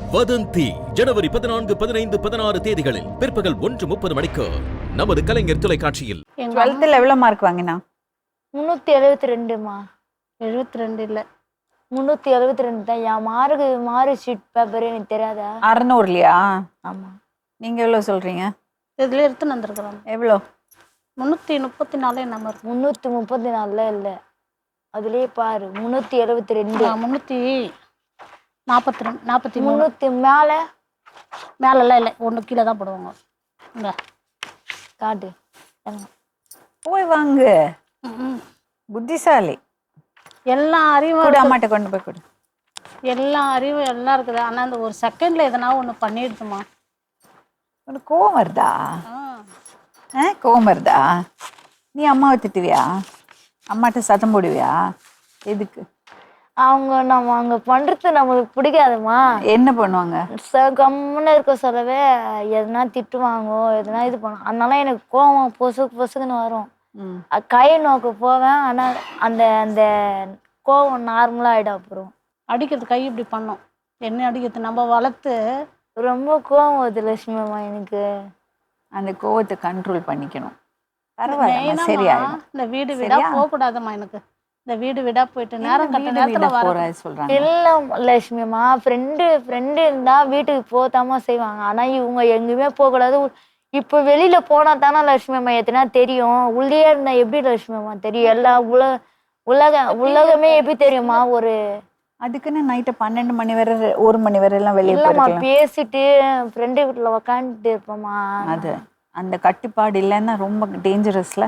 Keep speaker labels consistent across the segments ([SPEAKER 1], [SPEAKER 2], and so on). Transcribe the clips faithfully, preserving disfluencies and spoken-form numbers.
[SPEAKER 1] வதந்தி ஜனவரி பதினான்கு பதினைந்து பதினாறு தேதிகளில் பிற்பகல் ஒன்று முப்பது மணிக்கு நமது கலைஞர் தொலைக்காட்சியில்.
[SPEAKER 2] டுவெல்த்தில் எவ்வளோ மார்க் வாங்கினா?
[SPEAKER 3] முந்நூற்றி எழுபத்தி ரெண்டுமா.
[SPEAKER 2] எழுபத்தி ரெண்டு இல்லை,
[SPEAKER 3] முந்நூற்றி எழுபத்தி ரெண்டு தான். என் மார்க்கு மார்க் ஷீட் பேப்பர் எனக்கு தெரியாதா?
[SPEAKER 2] அறநூறுலையா?
[SPEAKER 3] ஆமாம்.
[SPEAKER 2] நீங்கள் எவ்வளோ சொல்கிறீங்க?
[SPEAKER 4] இதில் எடுத்துன்னு வந்துருக்குறோம்.
[SPEAKER 2] எவ்வளோ?
[SPEAKER 4] முந்நூற்றி முப்பத்தி நாலு நம்ம
[SPEAKER 3] முந்நூற்றி முப்பத்தி நாலில் இல்லை, அதுலேயே பாரு முந்நூற்றி எழுபத்தி ரெண்டு.
[SPEAKER 4] முந்நூற்றி நாற்பத்தி ரெண்டு நாற்பத்தி மூணு
[SPEAKER 3] முந்நூற்றி மேலே
[SPEAKER 4] மேலெல்லாம் இல்லை, ஒன்று கீழே தான் போடுவாங்க. இங்கே
[SPEAKER 3] காட்டு.
[SPEAKER 2] போய் வாங்க, புத்திசாலி.
[SPEAKER 4] எல்லா அறிவும்
[SPEAKER 2] கூட அம்மாட்ட கொண்டு போய் கொடு.
[SPEAKER 4] எல்லா அறிவும் எல்லாம் இருக்குது. ஆனால் அந்த ஒரு செகண்டில் எதனா ஒன்று பண்ணிடுதுமா.
[SPEAKER 2] உனக்கு கோவம் வருதா? ஆ கோவம் வருதா? நீ அம்மாவை திட்டுவியா? அம்மாட்ட சத்தம் போடுவியா? எதுக்கு?
[SPEAKER 3] அவங்க நம்ம அங்கே பண்ணுறது நம்மளுக்கு பிடிக்காதுமா.
[SPEAKER 2] என்ன பண்ணுவாங்க?
[SPEAKER 3] ச கம்முன்னு இருக்க சொல்லவே எதுனா திட்டுவாங்கோ, எதுனா இது பண்ணும். அதனால எனக்கு கோவம் பொசுக்கு பொசுக்குன்னு வரும். கை நோக்க போவேன், ஆனால் அந்த அந்த கோவம் நார்மலாக ஆகிடும். அப்புறம்
[SPEAKER 4] அடிக்கிறது கை இப்படி பண்ணோம், என்ன அடிக்கிறது நம்ம வளர்த்து.
[SPEAKER 3] ரொம்ப கோவம் வருது லட்சுமி அம்மா எனக்கு.
[SPEAKER 2] அந்த கோவத்தை கண்ட்ரோல் பண்ணிக்கணும். பரவாயில்ல, சரியா?
[SPEAKER 4] இந்த வீடு வீடா போகக்கூடாதுமா. எனக்கு இந்த வீடு வீடா போயிட்டு நேரம் கட்ட நேரத்தில் வர
[SPEAKER 2] சொல்றாங்க.
[SPEAKER 3] இல்லை லட்சுமி அம்மா, ஃப்ரெண்டு ஃப்ரெண்டு இருந்தால் வீட்டுக்கு போத்தாமா செய்வாங்க. ஆனால் இவங்க எங்கேயுமே போகக்கூடாது. இப்போ வெளியில போனா தானே லட்சுமி அம்மா எத்தனா தெரியும். உள்ளே இருந்தா எப்படி லட்சுமி அம்மா தெரியும்? எல்லா உலக உலக உலகமே எப்படி தெரியுமா? ஒரு
[SPEAKER 2] அதுக்குன்னு நைட்டு பன்னெண்டு மணி வரை ஒரு மணி வரை எல்லாம் வெளியே
[SPEAKER 3] இல்லம்மா, பேசிட்டு ஃப்ரெண்டு வீட்டில் உக்காந்துட்டு இருப்போம்மா.
[SPEAKER 2] அது அந்த கட்டுப்பாடு இல்லைன்னா ரொம்ப டேஞ்சரஸ்ல.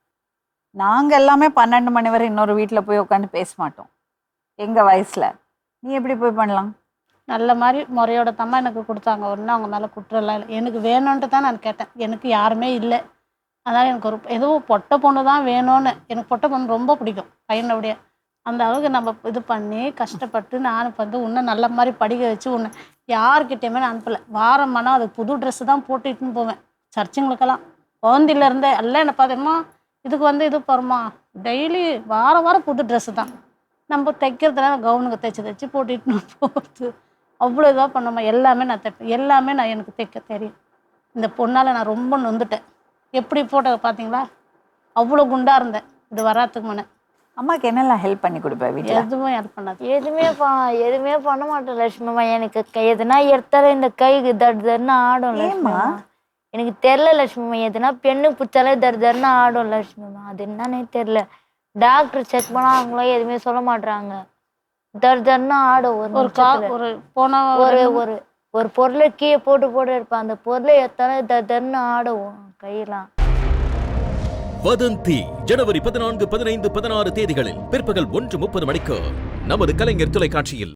[SPEAKER 2] நாங்க எல்லாமே பன்னெண்டு மணி வரை இன்னொரு வீட்டில் போய் உட்காந்து பேச மாட்டோம் எங்க வயசுல. நீ எப்படி போய் பண்ணலாம்?
[SPEAKER 4] நல்ல மாதிரி முறையோட தம்மா எனக்கு கொடுத்தாங்க. ஒன்றும் அவங்க மேலே குற்றம்லாம் இல்லை. எனக்கு வேணும்ன்ட்டு தான் நான் கேட்டேன். எனக்கு யாருமே இல்லை, அதனால் எனக்கு ஒரு எதுவும் பொட்டை பொண்ணு தான் வேணும்னு. எனக்கு பொட்டை பொண்ணு ரொம்ப பிடிக்கும் பையனோடைய. அந்த அளவுக்கு நம்ம இது பண்ணி கஷ்டப்பட்டு நான் வந்து இன்னும் நல்ல மாதிரி படிக்க வச்சு ஒன்று யார்கிட்டையுமே நான் அனுப்பலை. வாரம் ஆனால் அதுக்கு புது ட்ரெஸ்ஸு தான் போட்டுட்டுன்னு போவேன் சர்ச்சுங்களுக்கெல்லாம். குழந்தையிலேருந்தே எல்லாம் என்ன பார்த்தேம்மா இதுக்கு வந்து இது போகிறோமா, டெய்லி வாரம் வாரம் புது ட்ரெஸ்ஸு தான். நம்ம தைக்கிறதுனால கவுனுக்கு தைச்சி தைச்சி போட்டுட்டுன்னு போகிறது. அவ்வளோ இதாக பண்ணோமா. எல்லாமே நான் தைப்பேன், எல்லாமே நான் எனக்கு தைக்க தெரியும். இந்த பொண்ணால் நான் ரொம்ப நொந்துட்டேன். எப்படி போட்ட பார்த்தீங்களா? அவ்வளோ குண்டாக இருந்தேன் இது வராதுக்கு முன்னே.
[SPEAKER 2] அம்மாவுக்கு என்னெல்லாம் ஹெல்ப் பண்ணி கொடுப்பேன் வீட்டில்?
[SPEAKER 4] எதுவும் ஹெல்ப் பண்ணாது.
[SPEAKER 3] எதுவுமே பா எதுவுமே பண்ண மாட்டேன் லட்சுமி அம்மா. எனக்கு கை எதுனா எடுத்தாலும் இந்த கைக்கு தடு தருன்னு ஆடும் லட்சுமி அம்மா. எனக்கு தெரில லட்சுமி அம்மா, எதுனா பெண்ணுக்கு பிடிச்சாலே தரு தருன்னு ஆடும் லட்சுமி அம்மா. அது என்னன்னே தெரில. டாக்டர் செக் பண்ணால் அவங்களும் எதுவுமே சொல்ல மாட்றாங்க. தர் தர்னா ஆடும். ஒரு
[SPEAKER 4] ஒரு கா ஒரு போன
[SPEAKER 3] ஒரு ஒரு ஒரு பொருளை கீழே போட்டு போட்டு இருப்பேன். அந்த பொருளை எத்தாலே தர் தர்னு ஆடுவோம் கையெல்லாம்.
[SPEAKER 1] வதந்தி ஜனவரி பதினான்கு பதினைந்து பதினாறு தேதிகளில் பிற்பகல் ஒன்று முப்பது மணிக்கு நமது கலைஞர் தொலைக்காட்சியில்.